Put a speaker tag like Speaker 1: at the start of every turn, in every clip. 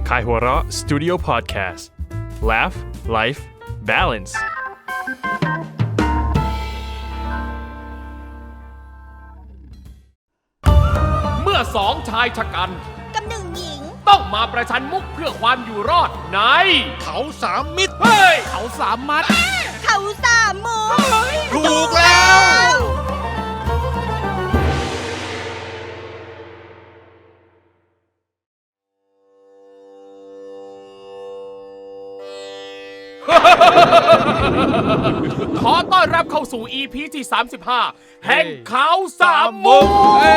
Speaker 1: Kaihura Studio Podcast Laugh Life Balance
Speaker 2: เมื่อสองชายชะกัน
Speaker 3: กับหนึ่งหญิง
Speaker 2: ต้องมาประชันมุกเพื่อความอยู่รอดใน
Speaker 4: เขาสามมิตร
Speaker 2: เฮ้ย
Speaker 4: เขาสามมัด
Speaker 3: เขาสามมุก
Speaker 4: ถูกแล้ว
Speaker 2: ขอต้อนรับเข้าสู่ EP ที่ 35 แห่งเขาสามมุก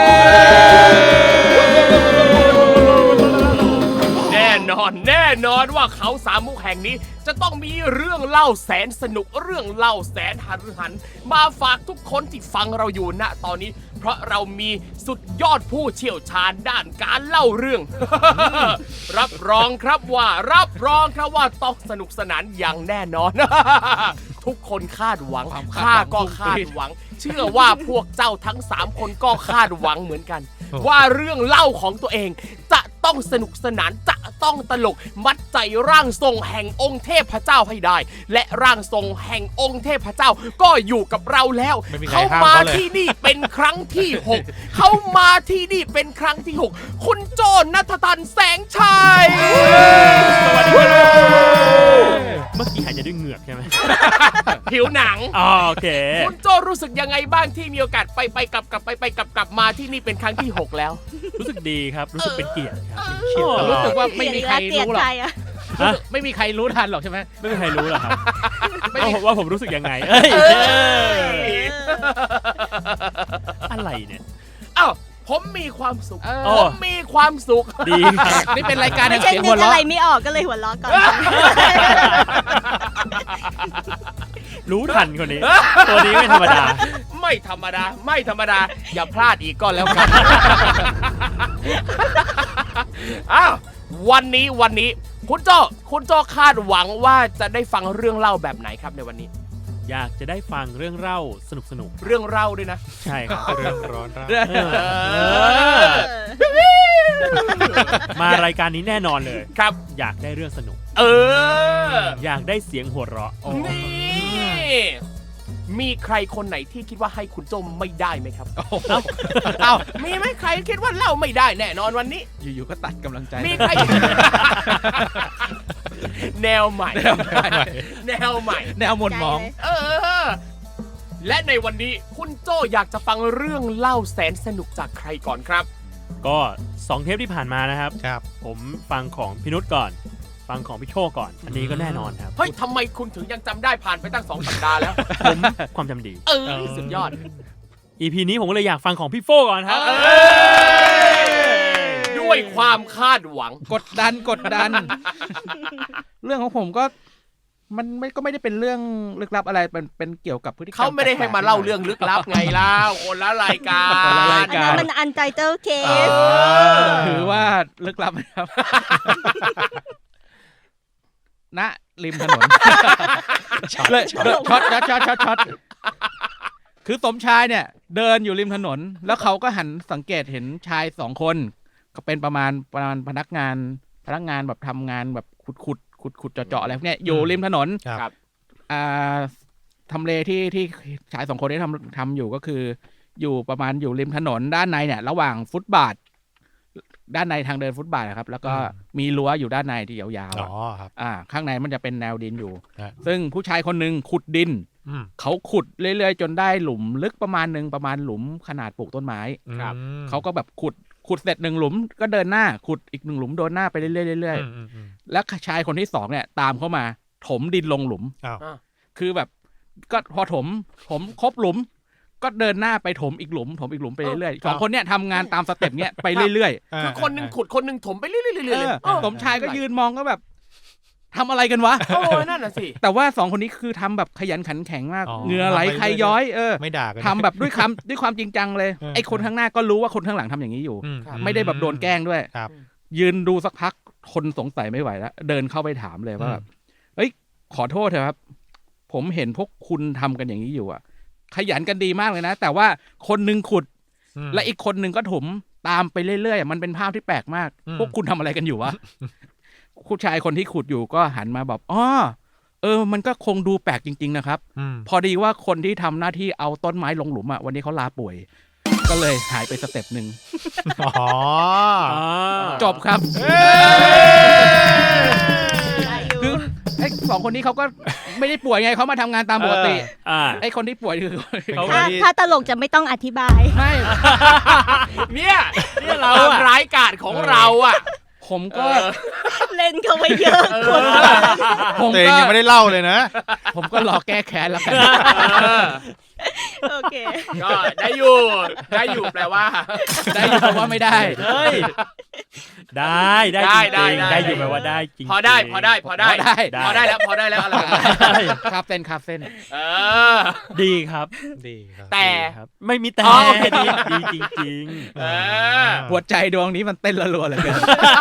Speaker 2: แน่นอนว่าเขาสามมุกแห่งนี้จะต้องมีเรื่องเล่าแสนสนุกเรื่องเล่าแสนหันมาฝากทุกคนที่ฟังเราอยู่ณตอนนี้เพราะเรามีสุดยอดผู้เชี่ยวชาญด้านการเล่าเรื่อง รับรองครับว่าต้องสนุกสนานอย่างแน่นอน ทุกคนคาดหวังข้าก็คาดหวัง เชื่อว่าพวกเจ้าทั้ง3คนก็คาดหวังเหมือนกัน ว่าเรื่องเล่าของตัวเองจะต้องสนุกสนานจะต้องตลกมัดใจร่างทรงแห่งองค์เทพเจ้าให้ได้และร่างทรงแห่งองค์เทพเจ้าก็อยู่กับเราแล้วเขามาที่นี่เป็นครั้งที่6เขามาที่นี่เป็นครั้งที่6คุณโจณัฐตันแสงชัย
Speaker 5: สวัสดีครับเมื่อกี้หายใจด้วยเหงือกใช่ไหม
Speaker 2: ผิวหนัง
Speaker 5: โอเค
Speaker 2: คุณโจรู้สึกยังไงบ้างที่มีโอกาสไปกลับมาที่นี่เป็นครั้งที่6แล้ว
Speaker 5: รู้สึกดีครับรู้สึกเป็นเกียรติครับ
Speaker 4: รู้สึกว่าไม่มีใครรู้หรอก
Speaker 5: ไม่มีใครรู้ทันหรอกใช่ไหมไม่มีใครรู้หรอกครับว่าผมรู้สึกยังไงอะไรเนี่ย
Speaker 2: อ้าวผมมีความสุขผมมีความสุข
Speaker 5: ดีครับ
Speaker 4: นี่เป็นรายการแห่ง
Speaker 3: เสียงหัวเราะอะไรไม่ออกก็เลยหัวเราะก่อน
Speaker 5: รู้ทันคนนี้ตัวนี้ไม่ธรรมดา
Speaker 2: ไม่ธรรมดาอย่าพลาดอีกก็แล้วกันอ้าววันนี้คุณโจ้คาดหวังว่าจะได้ฟังเรื่องเล่าแบบไหนครับในวันนี้
Speaker 5: อยากจะได้ฟังเรื่องเล่าสนุก
Speaker 2: เรื่องเล่าด้วยนะ
Speaker 5: ใช่ครับเรื่องร้อนมารายการนี้แน่นอนเลย
Speaker 2: ครับ
Speaker 5: อยากได้เรื่องสนุกอยากได้เสียงหัวเราะ
Speaker 2: นี่มีใครคนไหนที่คิดว่าให้คุณโจไม่ได้ไหมครับมีไหมใครคิดว่าเล่าไม่ได้แน่นอนวันนี้
Speaker 4: อยู่ๆก็ตัดกำลังใจ
Speaker 2: มีใครแนวใหม่แนว
Speaker 4: หมดมอง
Speaker 2: และในวันนี้คุณโจอยากจะฟังเรื่องเล่าแสนสนุกจากใครก่อนครับ
Speaker 5: ก็2เทปที่ผ่านมานะครับผมฟังของพี่นุชก่อนฟังของพี่โชคก่อนอันนี้ก็แน่นอนครับ
Speaker 2: เฮ้ยทำไมคุณถึงยังจำได้ผ่านไปตั้ง2 สัปดาห์แล้ว
Speaker 5: ผมความจำดี
Speaker 2: สุดยอด
Speaker 5: EP นี้ผมก็เลยอยากฟังของพี่โฟก่อนครับ
Speaker 2: ด้วยความคาดหวัง
Speaker 4: กดดัน เรื่องของผมก็มันไม่ได้เป็นเรื่องลึกลับอะไรเป็นเกี่ยวกับพฤติกรรม
Speaker 2: เขาไม่ได้ให้มาเล่าเรื่องลึกลับไงเล่าคนละรายการ
Speaker 3: มันอันใจเจ้าเคส
Speaker 4: ถือว่าลึกลับไหมครับณริมถนนเลยช็อตคือสมชายเนี่ยเดินอยู่ริมถนนแล้วเขาก็หันสังเกตเห็นชาย2คนก็เป็นประมาณพนักงานแบบทำงานแบบขุดเจาะอะไรพวกเนี้ยอยู่ริมถนน
Speaker 2: ครับ
Speaker 4: ทำเลที่ชาย2คนนี้ทำอยู่ก็คืออยู่ประมาณอยู่ริมถนนด้านในเนี่ยระหว่างฟุตบาทด้านในทางเดินฟุตบาทครับแล้วก็มีรั้วอยู่ด้านในที่ยาว
Speaker 5: ๆครับ
Speaker 4: ข้างในมันจะเป็นแนวดินอยู่ซึ่งผู้ชายคนนึงขุดดินเขาขุดเรื่อยๆจนได้หลุมลึกประมาณหลุมขนาดปลูกต้นไม้เขาก็แบบขุดเสร็จ1หลุมก็เดินหน้าขุดอีก1หลุมเดินหน้าไปเรื่อยๆแล้วชายคนที่2เนี่ยตามเข้ามาถมดินลงหลุมคือแบบก็พอถมครบหลุมก็เดินหน้าไปถมอีกหลุมไปเรื่อยๆ2คนเนี่ยทำงานตามสเต็ปเนี้ยไปเรื่อย
Speaker 2: ๆคือคนนึงขุดคนนึงถมไปเรื่อย
Speaker 4: ๆสมชายก็ยืนมองก็แบบทำอะไรกันวะ
Speaker 2: นั่นน่ะสิ
Speaker 4: แต่ว่า2คนนี้คือทำแบบขยันขันแข็งมากเหงื่อไหลใครย้อย
Speaker 5: ไม่ด่ากัน
Speaker 4: ทำแบบด้วยความจริงจังเลยไอ้คนข้างหน้าก็รู้ว่าคนข้างหลังทำอย่างนี้อยู่ไม่ได้แบบโดนแกล้งด้วยยืนดูสักพักคนสงสัยไม่ไหวแล้วเดินเข้าไปถามเลยว่าแบบเฮ้ยขอโทษเถอะครับผมเห็นพวกคุณทำกันอย่างนี้อยู่ขยันกันดีมากเลยนะแต่ว่าคนนึงขุดและอีกคนนึงก็ถมตามไปเรื่อยๆมันเป็นภาพที่แปลกมากพวกคุณทำอะไรกันอยู่วะผู้ชายคนที่ขุดอยู่ก็หันมาแบบอ๋อมันก็คงดูแปลกจริงๆนะครับพอดีว่าคนที่ทำหน้าที่เอาต้นไม้ลงหลุมอ่ะวันนี้เขาลาป่วยก็เลยหายไปสเต็ปหนึ่งจบครับคือไอ้สองคนนี้เขาก็ไม่ได้ป่วยไงเขามาทำงานตามปกติไอ้คนที่ป่วยคือเขา
Speaker 3: ถ้าตลกจะไม่ต้องอธิบาย
Speaker 4: ไม่
Speaker 2: เนี่ยเราร้ายกาจของเราอ่ะ
Speaker 4: ผมก็
Speaker 3: เล่นเขาไปเยอะคน
Speaker 4: ผม
Speaker 6: ตัวเอง
Speaker 4: ก็
Speaker 6: ยังไม่ได้เล่าเลยนะ
Speaker 4: ผมก็รอแก้แค้นแล้วกัน
Speaker 3: โอเค
Speaker 2: ก็ได้อยู่แปลว่า
Speaker 4: ได้อยู่เพราะว่าไม่ได้
Speaker 5: เฮ้ยได้จริงๆได้อยู่แปลว่าได้จริงๆ
Speaker 2: พอได้แล้วอะไรแบบนั้น
Speaker 4: ครับเส้น
Speaker 5: ดีครับ
Speaker 6: ดีครับ
Speaker 2: แต่
Speaker 5: ครับไม่มีแต่
Speaker 2: อ๋อโอเค
Speaker 5: ดีจริง
Speaker 4: หัวใจดวงนี้มันเต้นรัวๆเลยเกิน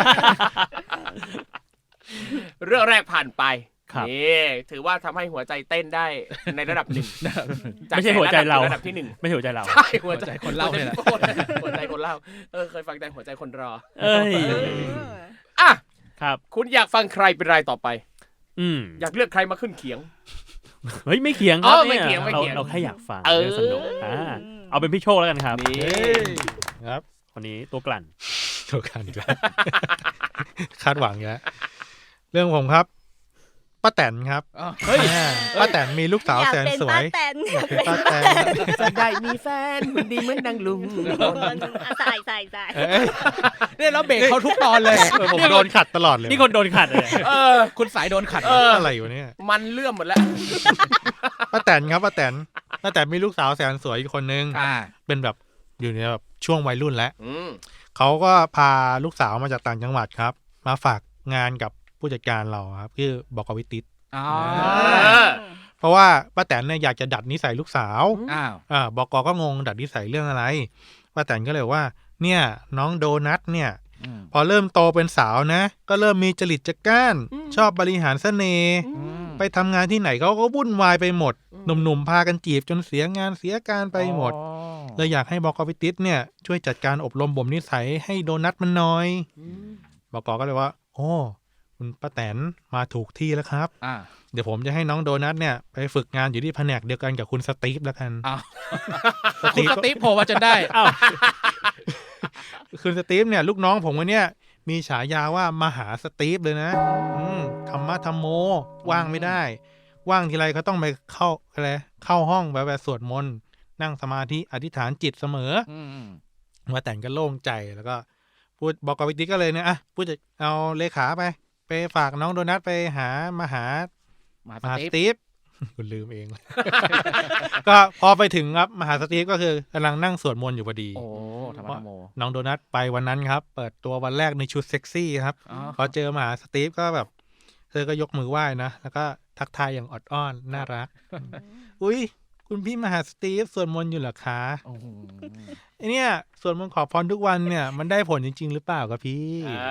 Speaker 2: เรื่องแรกผ่านไป
Speaker 5: ครับ
Speaker 2: นี่ถือว่าทำให้หัวใจเต้นได้ในระดับหนึ่ง
Speaker 5: ไม่ใช่หัวใจเรา
Speaker 2: ระดับที่หนึ่ง
Speaker 5: ไม่ใช่หัวใจเรา
Speaker 2: ใช่หัวใจ
Speaker 4: คนเล่าเนี่ยแหละ
Speaker 2: หัวใจคนเล่าเคยฟังแต่หัวใจคนรอ
Speaker 5: เอ้ย
Speaker 2: อ่ะ
Speaker 5: ครับ
Speaker 2: คุณอยากฟังใครเป็นรายต่อไป อยากเลือกใครมาขึ้นเขียง
Speaker 5: เฮ้ยไม่เขียงค
Speaker 2: อ๋
Speaker 5: รับ
Speaker 2: อไม่เขียง
Speaker 5: นี่
Speaker 2: ไม่เขียง
Speaker 5: เราแค่อยากฟัง
Speaker 2: เออ
Speaker 5: เรื่องสนุกเอาเป็นพี่โชคแล้วกันครับ
Speaker 2: นี่
Speaker 6: ครับ
Speaker 5: คนนี้ตัวกลั่น
Speaker 6: ถูกกันอีกแล้ว คาดหวังอยู่แล้วเรื่องผมครับป้าแตนครับ
Speaker 4: เฮ้ย
Speaker 6: ป้าแตนมีลูกสาว
Speaker 3: อยาก
Speaker 6: แสน
Speaker 3: เป็น
Speaker 6: สว
Speaker 3: ป้าย แตน
Speaker 6: อยากเป็นป้าแตน
Speaker 2: จะได้มีแฟนมันดีเหมือนนางลุง
Speaker 3: ใส่
Speaker 6: เอ้ย
Speaker 4: เนี่ยเราเบรกเขาทุกตอนเลย
Speaker 6: ผมโดนขัดตลอดเลย
Speaker 5: นี่คนโดนขัดเลย
Speaker 4: คุณสายโดนขัด
Speaker 6: อะไรอยู่เนี่ย
Speaker 2: มันเลื่อมหมดแล้ว
Speaker 6: ป้าแตนครับป้าแตนมีลูกสาวแสนสวยอีกคนนึงเป็นแบบอยู่ในแบบช่วงวัยรุ่นแล้วเขาก็พาลูกสาวมาจากต่างจังหวัดครับ มาฝากงานกับผู้จัดการเราครับคือบอกวิติตเพราะว่าป้าแตนเนี่ยอยากจะดัดนิสัยลูกสาวบอกก็งงดัดนิสัยเรื่องอะไรป้าแตนก็เลยว่าเนี่ยน้องโดนัทเนี่ยพอเริ่มโตเป็นสาวนะก็เริ่มมีจริตจักร้านชอบบริหารเสน่ห์ไปทำงานที่ไหนเขาก็วุ่นวายไปหมดหนุ่มๆพากันจีบจนเสียงานเสียการไปหมดเลยอยากให้บอกวิติตเนี่ยช่วยจัดการอบรมบ่มนิสัยให้โดนัทมันหน่อยบอกก็เลยว่าโอ้คุณป้าแตนมาถูกที่แล้วครับเดี๋ยวผมจะให้น้องโดนัทเนี่ยไปฝึกงานอยู่ที่แผนกเดียวกันกับคุณสตีฟแล้วกัน
Speaker 4: คุณสตีฟโผล่มาจนได้
Speaker 6: คุณสตีฟเนี่ยลูกน้องผมคนเนี้ยมีฉายาว่ามหาสตีฟเลยนะธรรมะธรรมโมว่างไม่ได้ว่างทีไรเขาต้องไปเข้าห้องแบบสวดมนต์นั่งสมาธิอธิษฐานจิตเสมอว่าแต่งก็โล่งใจแล้วก็พูดบอกกับวิติก็เลยเนี่ยพูดจะเอาเลขาไปฝากน้องโดนัทไปหามหาสตีฟคุณลืมเอง ก็พอไปถึงครับมหาสตีฟก็คือกำลังนั่งสวดมนต์อยู่พอดี
Speaker 4: ธรรมะโม
Speaker 6: น้องโดนัทไปวันนั้นครับเปิดตัววันแรกในชุดเซ็กซี่ครับพอเจอมหาสตีฟก็แบบเธอก็ยกมือไหว้นะแล้วก็ทักทายอย่างอดอ้อนน่ารัก อุ้ยคุณพี่มหาสตีฟสวดมนต์อยู่เหรอคะไอเนี่ยสวดมนต์ขอพรทุกวันเนี่ยมันได้ผลจริงๆหรือเปล่าครับพี่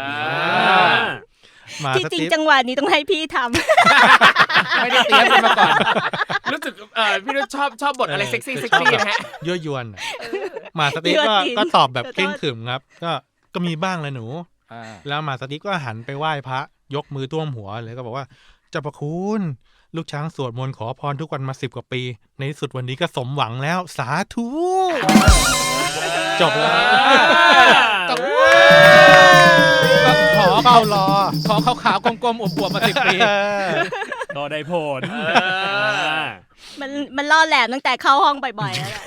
Speaker 3: ที่จริงจังหวะนี้ต้องให้พี่ท
Speaker 4: ำไม่ได้เตรียมมาก่อน
Speaker 2: รู้สึกพี่นุชชอบบทอะไรเซ็กซี่นะฮะ
Speaker 6: ยั่วยวนมาสตีฟก็ตอบแบบเข่งขรึมครับก็มีบ้างแหละหนูแล้วมาสตีฟก็หันไปไหว้พระยกมือท่วมหัวเลยก็บอกว่าเจ้าพระคุณลูกช้างสวดมนต์ขอพรทุกวันมา10 กว่าปีในที่สุดวันนี้ก็สมหวังแล้วสาธุจบแล้วขอเข้ารอ
Speaker 4: ขอขาวๆกลมๆอวบๆมา10 ปี
Speaker 5: ก็ได้ผล
Speaker 3: มันล่อแหลมตั้งแต่เข้าห้องบ่อยๆแล้วแหละ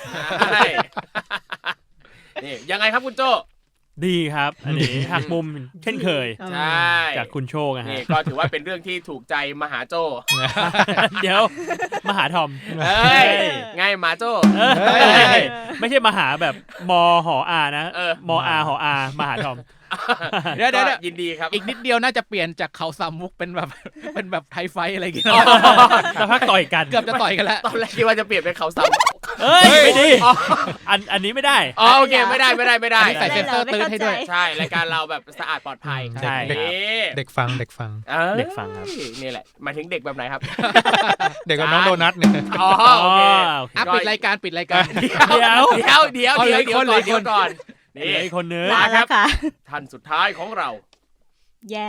Speaker 2: นี่ยังไงครับคุณโจ
Speaker 5: ดีครับอันนี้หักมุมเช่นเคย
Speaker 2: ใช่
Speaker 5: จากคุณโชคนะฮะ
Speaker 2: นี่ก็ถือว่าเป็นเรื่องที่ถูกใจมหาโจ
Speaker 5: เดี๋ยวมหาทอม
Speaker 2: ไงมหาโจ
Speaker 5: ไม่ใช่มหาแบบมหออานะมอาหออามหาทอม
Speaker 4: เดี๋ยว
Speaker 2: ยินดีครับ
Speaker 4: อีกนิดเดียวน่าจะเปลี่ยนจากเขาสามมุกเป็นแบบไทยไฟอะไรอย่างเงี้ย
Speaker 5: สักพักต่อยกัน
Speaker 4: เกือบจะต่อยกันแล้ว
Speaker 2: ตอนแรกคิดว่าจะเปลี่ยนเป็นเขาสาม
Speaker 5: เอ้ยไม่ดีอันนี้ไม่ได้
Speaker 2: โอเคไม่ได้
Speaker 4: ใส่เซนเซอร์ตื้นให้ด้วย
Speaker 2: ใช่รายการเราแบบสะอาดปลอดภัย
Speaker 5: ใช่
Speaker 6: เด็กฟัง
Speaker 5: ครับ
Speaker 2: นี่แหละหมายถึงเด็กแบบไหนครับ
Speaker 6: เด็กกับน้องโดนัทเนี่ย
Speaker 2: โอเค
Speaker 4: ปิดรายการ
Speaker 2: เดี๋ยวก่อน
Speaker 5: นี่คนนึง
Speaker 2: มาครับท่านสุดท้ายของเรา
Speaker 3: แย่แล้ว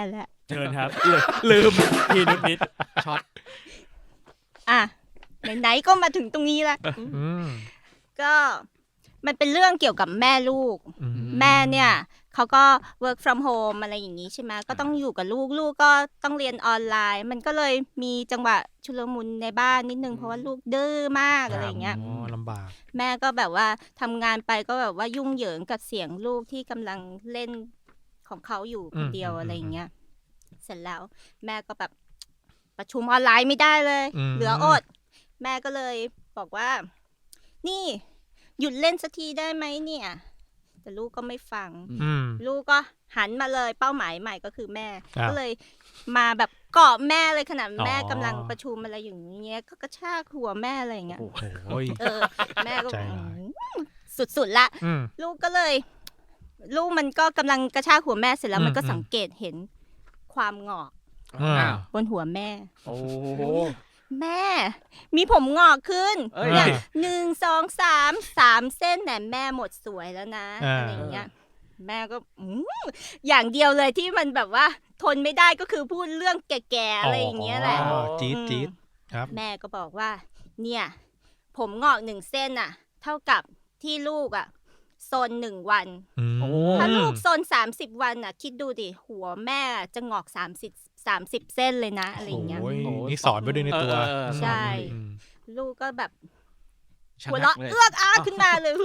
Speaker 5: เชิญครับ
Speaker 4: ลืม
Speaker 5: พี่นุชนิด
Speaker 4: ช็อต
Speaker 3: อ่ะไหนๆก็มาถึงตรงนี้แล้ว
Speaker 6: อืม
Speaker 3: ก็มันเป็นเรื่องเกี่ยวกับแม่ลูก
Speaker 6: อืม
Speaker 3: แม่เนี่ยเขาก็ work from home อะไรอย่างนี้ใช่ไหมก็ต้องอยู่กับลูกลูกก็ต้องเรียนออนไลน์ มันก็เลยมีจังหวะชุลมุนในบ้านนิดนึงเพราะว่าลูกดื้อมากอะไรอย่างเงี้ย
Speaker 6: อ๋อลำบาก
Speaker 3: แม่ก็แบบว่าทำงานไปก็แบบว่ายุ่งเหยิงกับเสียงลูกที่กำลังเล่นของเขาอยู่คนเดียวอะไรอย่างเงี้ยเสร็จแล้วแม่ก็แบบประชุมออนไลน์ไม่ได้เลย เหลืออด แม่ก็เลยบอกว่า นี่หยุดเล่นสักทีได้ไหมเนี่ย แต่ลูกก็ไม่ฟัง
Speaker 6: อืม
Speaker 3: ลูกก็หันมาเลยเป้าหมายใหม่ก็คือแม่
Speaker 6: ครับ
Speaker 3: ก็เลยมาแบบเกาะแม่เลยขนาดแม่
Speaker 6: อ๋อ
Speaker 3: กำลังประชุมอะไรอย่างเงี้ยก็กระชากหัวแม่อะไรอย่างเงี้ย
Speaker 6: โอ้ย
Speaker 3: แม่ก็
Speaker 6: ใจร้าย
Speaker 3: สุดๆละ
Speaker 6: อืม
Speaker 3: ลูกก็เลย ลูกมันก็กำลังกระชากหัวแม่เสร็จแล้วมันก็สังเกตเห็นความงอก
Speaker 6: อ้าว
Speaker 3: บนหัวแม่
Speaker 4: โอ้
Speaker 3: แม่ มีผมงอกขึ้น
Speaker 4: เอ้ย
Speaker 3: เนี่ย1 2 3 3 เส้นแต่แม่หมดสวยแล้วนะ
Speaker 6: อ่า
Speaker 3: อะไรอย่างเงี้ย แม่ก็อย่างเดียวเลยที่มันแบบว่า ทนไม่ได้ก็คือพูดเรื่องแก่ๆอะไรอย่างเงี้ยแหละ
Speaker 6: อ๋อจี๊ดจี๊ดครับ
Speaker 3: แม่ก็บอกว่า เนี่ย ผมงอก1 เส้นน่ะ เท่ากับที่ลูกอ่ะซน1 วัน
Speaker 6: อืม
Speaker 3: ถ้าลูกซน30 วันน่ะ คิดดูดิหัวแม่จะงอก30 เส้นเลยนะอะไรอย่างเงี้ย
Speaker 6: โอ้ยนี่สอนไปด้วยในตัว
Speaker 3: ใช่
Speaker 6: อืม
Speaker 3: ลูกก็แบบ
Speaker 4: ชะ
Speaker 3: หัว
Speaker 4: งั
Speaker 3: เราะ
Speaker 4: กเลย
Speaker 3: เอื้อกอ้ากขึ้นมาเลย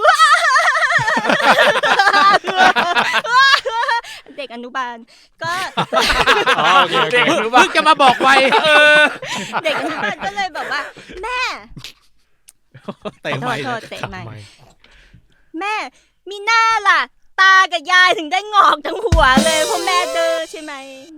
Speaker 3: เด็กอนุบาลก็
Speaker 6: โอเคโอเค
Speaker 2: เด็กหรือเป
Speaker 4: เพิ่
Speaker 2: ล่าง
Speaker 4: จะมาบอกไว
Speaker 3: เด็กอนุบาลก็เลยแบบว่า แม่
Speaker 4: เตะ
Speaker 3: โท
Speaker 4: ไป
Speaker 3: ษโทษเตะใหม่
Speaker 6: ทำไม
Speaker 3: แม่มีหน้าล่ะ ตากับยายถึงได้งอกทั้งหัวเลยเพราะแม่เด้อใช่ไหม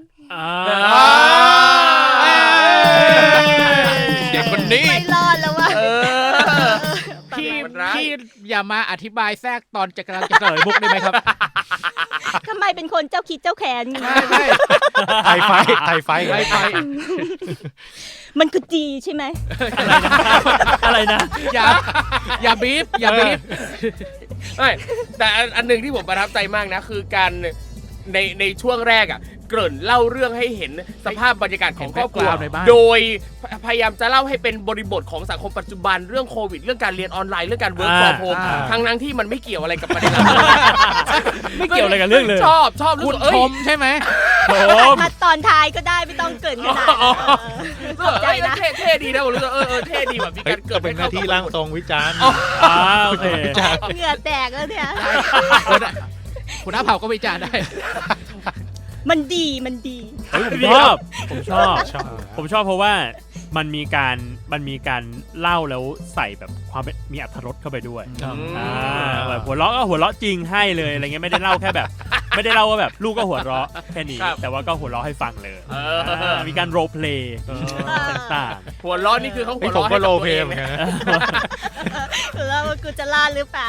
Speaker 4: เด็กคนนี้
Speaker 3: ไม่รอดแล้วว่ะ
Speaker 4: พี่
Speaker 2: มันร้าย
Speaker 4: พี่อย่ามาอธิบายแทรกตอนจะกำลังจะเฉลยมุกได้ไหมครับ
Speaker 3: ทำไมเป็นคนเจ้าคิดเจ้าแค้นอย่างนี้
Speaker 4: ไม่
Speaker 6: ไทยไฟไทยไฟ
Speaker 4: ไปไป
Speaker 3: มันคือดีใช่ไหม
Speaker 5: อะไรนะ
Speaker 4: อย่าบีบอย่าบีบ
Speaker 2: ไม่แต่อันหนึ่งที่ผมประทับใจมากนะ คือการในช่วงแรกอ่ะ เกริ่นเล่าเรื่องให้เห็นสภาพบรรยากาศของครอบครัว
Speaker 4: ในบ้าน
Speaker 2: โดยพยายามจะเล่าให้เป็นบริบทของสังคมปัจจุบันเรื่องโควิด เรื่องการเรียนออนไลน์เรื่องการเวิร์กฟอร์มโฮมทั้งที่มันไม่เกี่ยวอะไรกับประเด็นเรา
Speaker 5: ไม่เกี่ยวอะไรกับเรื่องเลย
Speaker 2: ชอบรู้
Speaker 4: คุณ
Speaker 2: สึกเอ้
Speaker 4: ช
Speaker 2: ย
Speaker 4: มใช่ไหม
Speaker 3: ถ้าตอนท้ายก็ได้ไม่ต้องเกรินขนาดนั้นขอบใจนะ
Speaker 2: เท่ดีนะผมรู้สึกเท่ดีแบบมี
Speaker 6: เฮ้
Speaker 2: กาย รเกิด
Speaker 6: เป็นหน้าที่ร่างทรงวิจารณ์
Speaker 5: โอเค
Speaker 3: เหงื่อแตกแล้วเนี่ย
Speaker 4: คุณน้าเผาก็วิจารณ์ได้
Speaker 3: มันดีมันดี
Speaker 5: ผมชอบ ผมชอบ
Speaker 6: ชอบ
Speaker 5: ผมชอบเพราะว่ามันมีการเล่าแล้วใส่แบบความเป็นมีอรรถรสเข้าไปด้วยแบบหัวเราะก็หัวเราะจริงให้เลยอะไรเงี้ยไม่ได้เล่าแค่แบบ ไม่ได้เล่าว่าแบบลูกก็หัวเราะแค่นี้ แต่ว่าก็หัวเราะให้ฟังเลยมีการโรลเพลย์ต่าง
Speaker 2: หัวล้อนี่คือเขาหั
Speaker 6: นี่
Speaker 2: ว
Speaker 6: ผ
Speaker 2: ล้
Speaker 6: ม
Speaker 2: อ
Speaker 6: ก็
Speaker 2: ให้
Speaker 6: โล
Speaker 2: กับ
Speaker 6: เพ
Speaker 2: ตัวเอง
Speaker 6: เหมือนกันนะ
Speaker 3: แล้วกูจะรอดหรือเปล่า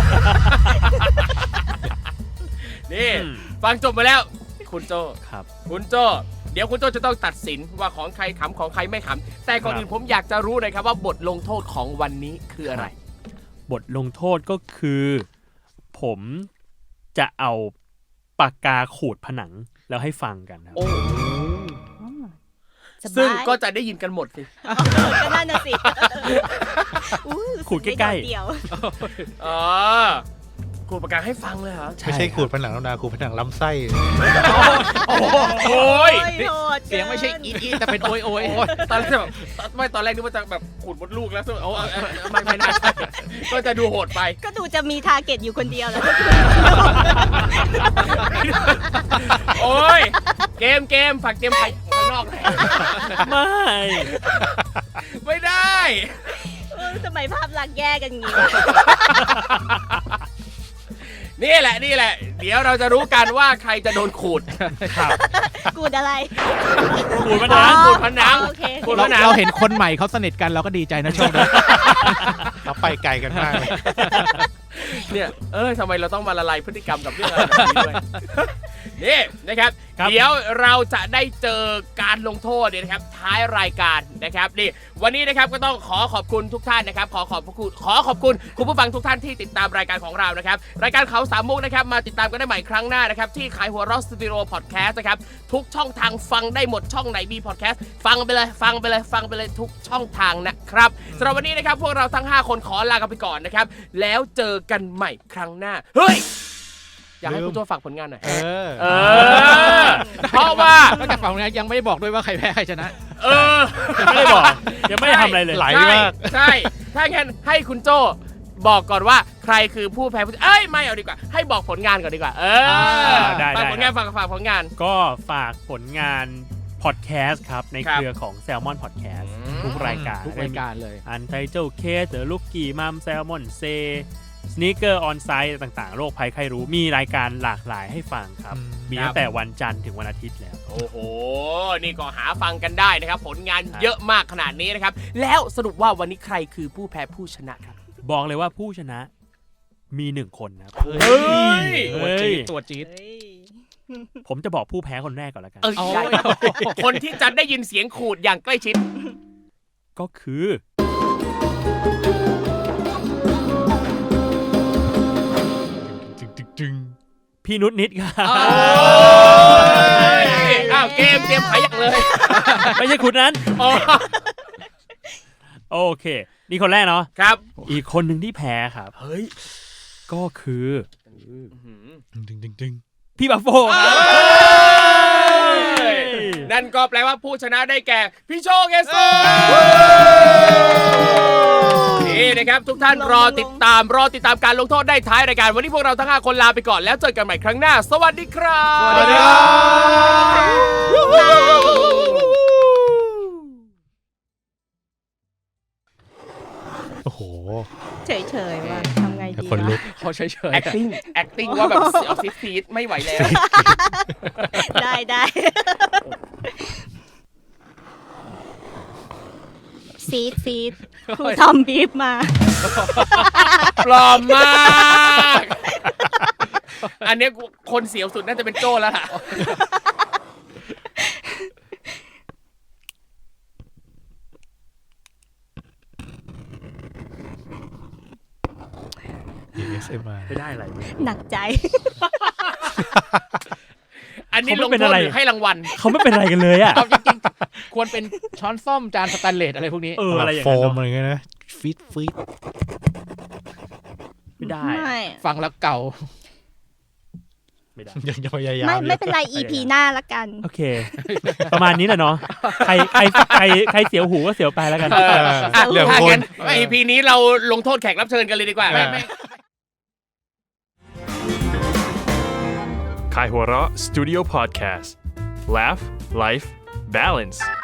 Speaker 2: นี่ฟังจบมาแล้ว คุณโจ
Speaker 5: ๆครับ
Speaker 2: คุณโจเดี๋ยวคุณโจจะต้องตัดสินว่าของใครขำของใครไม่ขำแต่ก่อนอื่นผมอยากจะรู้หน่อยครับว่าบทลงโทษของวันนี้คืออะไร
Speaker 5: บทลงโทษก็คือ ผมจะเอาปากกาขูดผนังแล้วให้ฟังกันครับ
Speaker 2: โอ้
Speaker 3: สบาย
Speaker 2: ซึ่งก็จะได้ยินกันหมดสิ
Speaker 3: ก็นั่นน่ะสิอุ๊ย
Speaker 5: ขูดใกล้ๆ
Speaker 3: รู้สึไม่โดดเดี่ยว
Speaker 2: อ๋อขูดปากกาให้ฟังเลยเหรอ
Speaker 6: ไม่ใช่ขูดผนังแล้วนะขูดผนังลำไส้
Speaker 2: โอ้ย
Speaker 3: โหดกิน
Speaker 4: เสียงไม่ใช่อีดแต่เป็นโอยโอย
Speaker 2: ตอนแรกแบบไม่ตอนแรกนึกว่าจะแบบขูดมดลูกแล้วโอ้ไม่น่าใช่ก็จะดูโหดไป
Speaker 3: ก็ดูจะมีทาร์เก็ตอยู่คนเดียวแล้ว
Speaker 2: โอ้ยเกมฝากเกมไปข้างนอกหน่อย
Speaker 5: ไม่
Speaker 2: ไม่ได้
Speaker 3: ทำไมภาพลักษณ์แย่กันงี้
Speaker 2: นี่แหละ เดี๋ยวเราจะรู้กันว่าใครจะโดนขูด
Speaker 3: กูดอะไร
Speaker 5: ขูดผนัง
Speaker 2: ขูดผนัง
Speaker 3: โอเค
Speaker 2: ขูดผนัง
Speaker 4: เราเห็นคนใหม่เขาสนิทกันเราก็ดีใจนะช่วงนี้
Speaker 6: เราไปไกลกันมากเลย
Speaker 2: เนี่ยทำไมเราต้องมาละลายพฤติกรรมกับเรื่องอะไรแบบนี้ด้วยนี่นะครับเดี๋ยวเราจะได้เจอการลงโทษเนี่ยนะครับท้ายรายการนะครับนี่วันนี้นะครับก็ต้องขอขอบคุณทุกท่านนะครับขอขอบคุณคุณผู้ฟังทุกท่านที่ติดตามรายการของเรานะครับรายการเขาสามมุกนะครับมาติดตามกันได้ใหม่ครั้งหน้านะครับที่ขายหัวเราะสตูดิโอพอดแคสต์นะครับทุกช่องทางฟังได้หมดช่องไหนมีพอดแคสต์ฟังไปเลยทุกช่องทางนะครับสำหรับวันนี้นะครับพวกเราทั้ง5คนขอลากันไปก่อนนะครับแล้วเจอกันใหม่ครั้งหน้าเฮ้ยอยากให้คุณโจ้ฝากผลงานหน่อยเพราะว่าน
Speaker 4: อกจากฝั่งนี้ยังไม่ได้บอกด้วยว่าใครแพ้ใครชนะ
Speaker 5: ยังไม่ได้บอกยังไม่ได้ทำอะไรเลย
Speaker 6: ไหลมาก
Speaker 2: ใช่ถ้างั้นให้คุณโจ้บอกก่อนว่าใครคือผู้แพ้ไม่เอาดีกว่าให้บอกผลงานก่อนดีกว่า
Speaker 5: ได้
Speaker 2: ฝากผลงานฝากผลงาน
Speaker 5: ก็ฝากผลงานพอดแคสต์ครับในเครือของ Salmon Podcast ทุกรายการ
Speaker 4: เลย
Speaker 5: Untitled Case หรือ Lucky Mom Salmon Say Sneaker On Site ต่างๆโรคภัยไข้รู้มีรายการหลากหลายให้ฟังครับมีตั้งแต่วันจันทร์ถึงวันอาทิตย์แล้ว
Speaker 2: โอ้โหนี่ก็หาฟังกันได้นะครับผลงานเยอะมากขนาดนี้นะครับแล้วสรุปว่าวันนี้ใครคือผู้แพ้ผู้ชนะครับ
Speaker 5: บอกเลยว่าผู้ชนะมี1คนนะ
Speaker 4: ตัวจี๊ด
Speaker 5: ผมจะบอกผู้แพ้คนแรกก่อนแล้วกัน
Speaker 2: คนที่จะได้ยินเสียงขูดอย่างใกล้ชิด
Speaker 5: ก็คือพี่นุชนิดครับ
Speaker 2: เกมเตรียมขายอย่างเลย
Speaker 5: ไม่ใช่คุณนั้นโอเคนี่คนแรกเนาะ
Speaker 2: ครับ
Speaker 5: อีกคนหนึ่งที่แพ้ครับ
Speaker 2: เฮ้ย
Speaker 5: ก็คือ
Speaker 6: ดึง
Speaker 5: พี่บัฟโฟ
Speaker 2: นั่นก็แปลว่าผู้ชนะได้แก่พี่โชคเอสโซนี่นะครับทุกท่านรอติดตามการลงโทษได้ท้ายรายการวันนี้พวกเราทั้ง5คนลาไปก่อนแล้วเจอกันใหม่ครั้งหน้าสวัสดีครับ
Speaker 6: สวัสดีครับโอ้โห
Speaker 3: เฉยๆว่าทำไงดี
Speaker 6: คนลุก
Speaker 4: เขาเฉย
Speaker 2: ๆ acting ว่าแบบซีดไม่ไหวแล้ว
Speaker 3: ได้ซีดครูทอมบีบมา
Speaker 2: ปลอมมากอันนี้คนเสียวสุดน่าจะเป็นโจ้แล้วล่ะ
Speaker 5: ไม่ได้อะไร
Speaker 3: หนักใจ
Speaker 2: อันนี้ลงโทษหรือให้รางวัล
Speaker 5: เขาไม่เป็นอะไรกันเลยอ่ะ
Speaker 4: จริงๆควรเป็นช้อนส้อมจานสแตนเลสอะไรพวกนี้
Speaker 5: อะไรอย่าง
Speaker 6: เงี้ยโฟมอะไรเงี้ยนะฟีด
Speaker 5: ไม่ได้
Speaker 4: ฟังแล้วเก่า
Speaker 5: ไม่ได้
Speaker 6: ยังพยายาม
Speaker 3: ไม่เป็นไร EP หน้าละกัน
Speaker 5: โอเคประมาณนี้แหละเนาะใครเสียวหูก็เสียวไปแล้วกัน
Speaker 2: เรื่องคน EP นี้เราลงโทษแขกรับเชิญกันเลยดีกว่า
Speaker 1: Kaihura Studio Podcast Laugh Life Balance